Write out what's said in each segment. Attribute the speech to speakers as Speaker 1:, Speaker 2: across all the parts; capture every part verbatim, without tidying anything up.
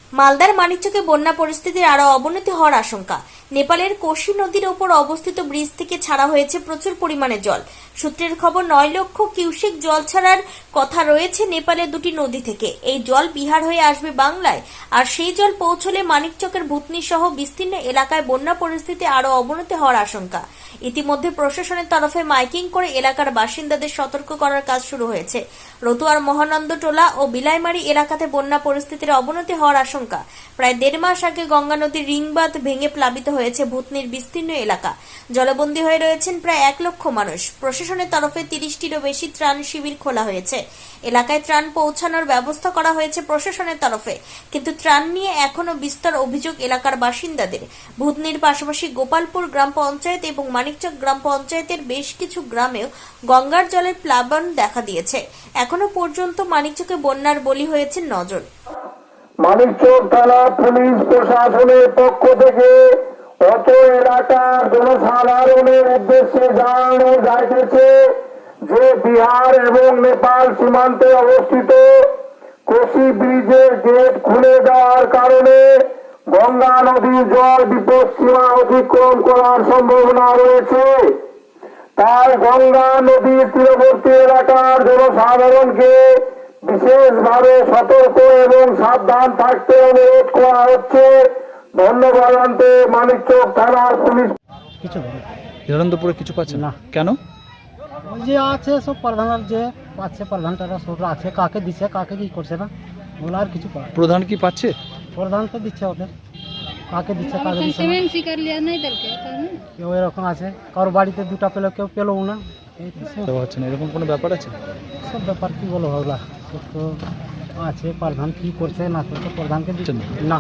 Speaker 1: মালদার মানিকচকে বন্যা পরিস্থিতির আরো অবনতি হওয়ার আশঙ্কা। নেপালের কোশি নদীর ওপর অবস্থিত ব্রিজ থেকে ছাড়া হয়েছে প্রচুর পরিমাণে জল। সূত্রের খবর, নয় লক্ষ কিউসেক জল ছাড়ার কথা রয়েছে নেপালের দুটি নদী থেকে। এই জল বিহার হয়ে আসবে বাংলায়, আর সেই জল পৌঁছলে মানিকচকের ভূতনি সহ বিস্তীর্ণ এলাকায় বন্যা পরিস্থিতি আরো অবনতি হওয়ার আশঙ্কা। ইতিমধ্যে প্রশাসনের তরফে মাইকিং করে এলাকার বাসিন্দাদের সতর্ক করার কাজ শুরু হয়েছে। রতুয়ার মহানন্দ টোলা ও বিলাইমারি এলাকাতে বন্যা পরিস্থিতির অবনতি হওয়ার আশঙ্কা। প্রায় দেড় মাস আগে গঙ্গা নদীর রিংবাঁধ ভেঙে প্লাবিত হয়েছে ভূতনির বিস্তীর্ণ এলাকা। জলবন্দী হয়ে রয়েছেন প্রায় এক লক্ষ মানুষ। প্রশাসনের তরফে তিরিশটিরও বেশি ত্রাণ শিবির খোলা হয়েছে। এলাকায় ত্রাণ পৌঁছানোর ব্যবস্থা করা হয়েছে প্রশাসনের তরফে, কিন্তু ত্রাণ নিয়ে এখনো বিস্তর অভিযোগ এলাকার বাসিন্দাদের। ভূতনির পাশাপাশি গোপালপুর গ্রাম পঞ্চায়েত এবং মানিকচক গ্রাম পঞ্চায়েতের বেশ কিছু গ্রামেও গঙ্গার জলের প্লাবন দেখা দিয়েছে। এখনো পর্যন্ত মানিকচকে বন্যার বলি হয়েছে নজন।
Speaker 2: মানিকচক থানা পুলিশ প্রশাসনের পক্ষ থেকে অত এলাকার জনসাধারণের উদ্দেশ্যে জানানো যাইতেছে যে বিহার এবং নেপাল সীমান্তে অবস্থিত কোশি ব্রিজের গেট খুলে দেওয়ার কারণে গঙ্গা নদীর জল বিপদসীমা অতিক্রম করার সম্ভাবনা রয়েছে। তাই গঙ্গা নদীর তীরবর্তী এলাকার জনসাধারণকে বিশেষভাবে সতর্ক এবং সাবধান থাকতে অনুরোধ করা হচ্ছে। ধন্যবাদ জানাতে মানিকচক থানার পুলিশ।
Speaker 3: কিছু
Speaker 4: হিরণপুরে কিছু পাচ্ছে
Speaker 3: না।
Speaker 4: কেন?
Speaker 3: ওই যে আছে সব প্রধানের যে পাচ্ছে, প্রধানটারা সব আছে, কাকে দিচ্ছে কাকে কি করছে না ওগুলো আর কিছু পায়।
Speaker 4: প্রধান কি পাচ্ছে?
Speaker 3: প্রধান তো দিচ্ছে ওদের, কাকে দিচ্ছে কাকে দিচ্ছে না। কেউ এরকম আছে, কারোর বাড়িতে দুটা পেলো, কেউ পেলো না। এই তো সব-
Speaker 4: তো হচ্ছে না, এরকম কোনো ব্যাপার আছে?
Speaker 3: সব ব্যাপার কি বলো ওগুলা সব তো আছে। প্রধান কি করছে না করছে প্রধানকে দিচ্ছে না।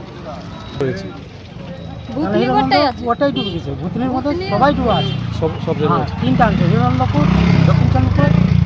Speaker 4: হয়েছে
Speaker 3: মানে হিরণপুর ওটাই ডুবে গেছে, ভূতনির মধ্যে সবাই ডুবে আছে।
Speaker 4: সব সব
Speaker 3: হ্যাঁ,
Speaker 4: জায়গায় আছে।
Speaker 3: তিনটা আছে, হিরণপুর, দক্ষিণ চন্দ্রপুর,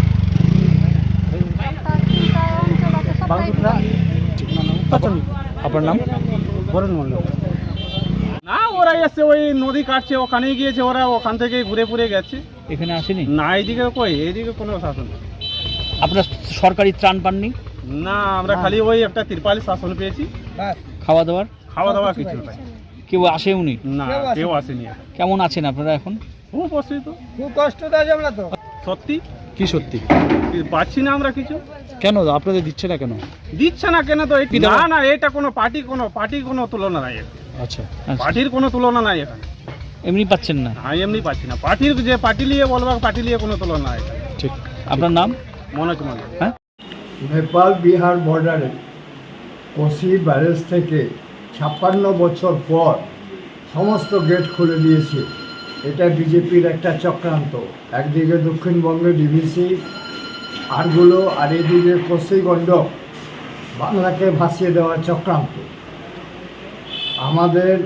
Speaker 3: বাংলা, মানে উত্তর চন্দ্রপুর।
Speaker 4: আপনার নাম?
Speaker 3: বরুণ মন্ডল।
Speaker 5: না, ওরা এসছে ওই নদী কাটছে, ওখানেই গিয়েছে, ওরা ওখান থেকে ঘুরে ফুরে গেছে।
Speaker 4: এখানে আসেনি?
Speaker 5: না, এইদিকে কই, এইদিকে কোনো শাসন নেই।
Speaker 4: আপনার সরকারি ত্রাণ পাননি?
Speaker 5: না, আমরা খালি ওই একটা তিরপালি শাসন পেয়েছি,
Speaker 4: খাওয়া দাওয়ার
Speaker 5: খাওয়া দাওয়া কিছু নাই।
Speaker 4: কেউ আসেওনি?
Speaker 5: না, কেউ আসেনি।
Speaker 4: কেমন আছেন আপনারা এখন?
Speaker 5: খুব অসুবিধা,
Speaker 3: খুব কষ্ট দেয় আমরা তো।
Speaker 5: সত্যি
Speaker 4: কি সত্যি?
Speaker 5: পাচ্ছি না আমরা কিছু।
Speaker 4: কেন আপনাদের দিচ্ছে না কেন?
Speaker 5: দিচ্ছে না কেন? তো এই-
Speaker 4: কি দেওয়া?
Speaker 5: না না, এটা কোনো পার্টি কোনো পার্টির কোনো তুলনা নাই,
Speaker 4: আচ্ছা,
Speaker 5: পার্টির কোনো তুলনা নাই এখানে।
Speaker 4: এমনি পাচ্ছেন না?
Speaker 5: আমি এমনি পাচ্ছি না, পার্টির যে পার্টি নিয়ে বলবো, পার্টি নিয়ে কোনো তুলনা নাই এখানে।
Speaker 4: ঠিক। আপনার নাম?
Speaker 5: মনোজ মন্ডল।
Speaker 4: হ্যাঁ,
Speaker 6: নেপাল বিহার বর্ডারে কোশি ব্যারেজ থেকে ছাপ্পান্ন বছর পর সমস্ত গেট খুলে দিয়েছে। এটা বিজেপির একটা চক্রান্ত। একদিকে দক্ষিণবঙ্গে ডিভিসি আরগুলো, আর এদিকে কোশি গণ্ডক বাংলাকে ভাসিয়ে দেওয়ার চক্রান্ত। আমাদের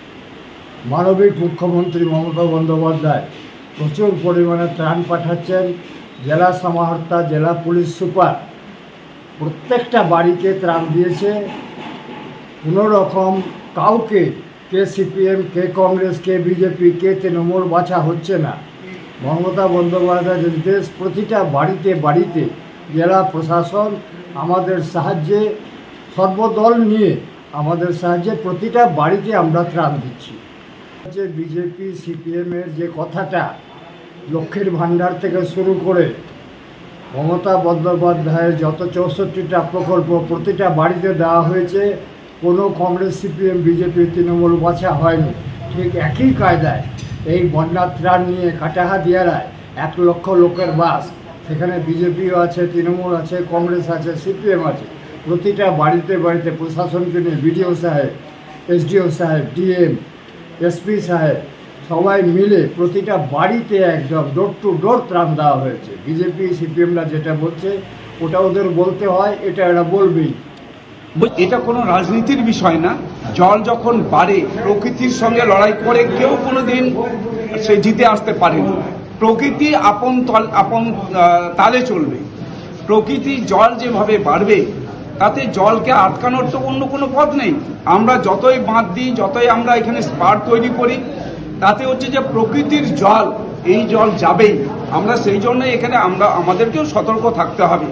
Speaker 6: মানবিক মুখ্যমন্ত্রী মমতা বন্দ্যোপাধ্যায় প্রচুর পরিমাণে ত্রাণ পাঠাচ্ছেন। জেলা সমাহর্তা, জেলা পুলিশ সুপার প্রত্যেকটা বাড়িতে ত্রাণ দিয়েছে। কোনো রকম কাউকে কে সিপিএম, কে কংগ্রেস, কে বিজেপি, কে তৃণমূল বাছা হচ্ছে না। মমতা বন্দ্যোপাধ্যায়ের নির্দেশ, প্রতিটা বাড়িতে বাড়িতে জেলা প্রশাসন আমাদের সাহায্যে, সর্বদল নিয়ে আমাদের সাহায্যে প্রতিটা বাড়িতে আমরা ত্রাণ দিচ্ছি। যে বিজেপি সিপিএমের যে কথাটা লক্ষ্মীর ভাণ্ডার থেকে শুরু করে মমতা বন্দ্যোপাধ্যায়ের যত চৌষট্টিটা প্রকল্প প্রতিটা বাড়িতে দেওয়া হয়েছে, কোনো কংগ্রেস, সিপিএম, বিজেপি, তৃণমূল বাছা হয়নি। ঠিক একই কায়দায় এই বন্যার ত্রাণ নিয়ে কাটাহাদিয়ারায় এক লক্ষ লোকের বাস, সেখানে বিজেপিও আছে, তৃণমূল আছে, কংগ্রেস আছে, সিপিএম আছে। প্রতিটা বাড়িতে বাড়িতে প্রশাসনকে নিয়ে বিডিও সাহেব, এসডিও সাহেব, ডিএম, এসপি সাহেব সবাই মিলে প্রতিটা বাড়িতে একদম ডোর টু ডোর ত্রাণ দেওয়া হয়েছে। বিজেপি সিপিএমরা যেটা বলছে ওটা ওদের বলতে হয়, এটা এরা বলবেই।
Speaker 7: এটা কোনো রাজনীতির বিষয় না। জল যখন বাড়ে, প্রকৃতির সঙ্গে লড়াই করে কেউ কোনোদিন সে জিতে আসতে পারেনি। প্রকৃতি আপন তল আপন তালে চলবে। প্রকৃতির জল যেভাবে বাড়বে, তাতে জলকে আটকানোর তো অন্য কোনো পথ নেই। আমরা যতই বাঁধ দিই, যতই আমরা এখানে স্পার তৈরি করি, তাতে হচ্ছে যে প্রকৃতির জল, এই জল যাবেই। আমরা সেই জন্য এখানে আমরা আমাদেরকেও সতর্ক থাকতে হবে।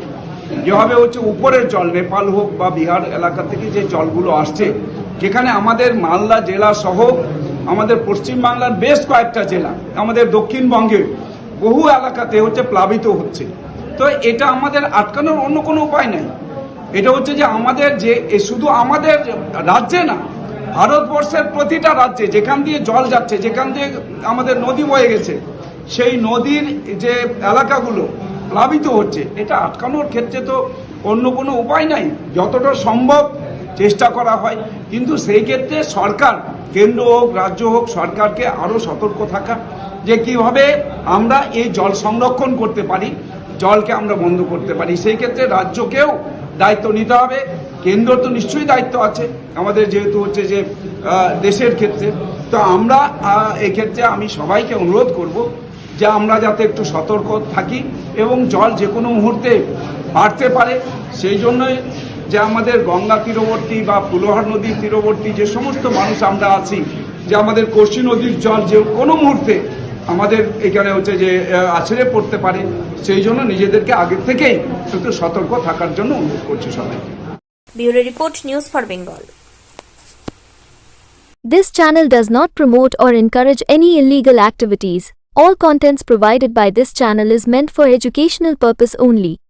Speaker 7: যেভাবে হচ্ছে উপরের জল নেপাল হোক বা বিহার এলাকা থেকে যে জলগুলো আসছে, যেখানে আমাদের মালদা জেলা সহ আমাদের পশ্চিমবাংলার বেশ কয়েকটা জেলা, আমাদের দক্ষিণবঙ্গের বহু এলাকাতে হচ্ছে প্লাবিত হচ্ছে। তো এটা আমাদের আটকানোর অন্য কোনো উপায় নাই। এটা হচ্ছে যে আমাদের যে শুধু আমাদের রাজ্যে না, ভারতবর্ষের প্রতিটা রাজ্যে যেখান দিয়ে জল যাচ্ছে, যেখান দিয়ে আমাদের নদী বয়ে গেছে, সেই নদীর যে এলাকাগুলো প্লাবিত হচ্ছে, এটা আটকানোর ক্ষেত্রে তো অন্য কোনো উপায় নাই। যতটা সম্ভব চেষ্টা করা হয়, কিন্তু সেই ক্ষেত্রে সরকার, কেন্দ্র হোক রাজ্য হোক, সরকারকে আরও সতর্ক থাকা যে কিভাবে আমরা এই জল সংরক্ষণ করতে পারি, জলকে আমরা বন্ধ করতে পারি। সেই ক্ষেত্রে রাজ্যকেও দায়িত্ব নিতে হবে, কেন্দ্র তো নিশ্চয়ই দায়িত্ব আছে আমাদের, যেহেতু হচ্ছে যে দেশের ক্ষেত্রে। তো আমরা এই ক্ষেত্রে আমি সবাইকে অনুরোধ করব যে আমরা যাতে একটু সতর্ক থাকি এবং জল যে কোনো মুহূর্তে বাড়তে পারে। সেই জন্যই যে আমাদের গঙ্গা তীরবর্তী বা ফুলোহার নদীর তীরবর্তী যে সমস্ত মানুষ আমরা আছি, যে আমাদের কোশি নদীর জল যে কোনো মুহূর্তে আমাদের এখানে হচ্ছে যে আছড়ে পড়তে পারে, সেই জন্য নিজেদেরকে আগে থেকেই একটু সতর্ক থাকার জন্য অনুরোধ করছি সবাইকে।
Speaker 1: Bureau report, news for Bengal.
Speaker 8: This channel does not promote or encourage any illegal activities. All contents provided by this channel is meant for educational purpose only.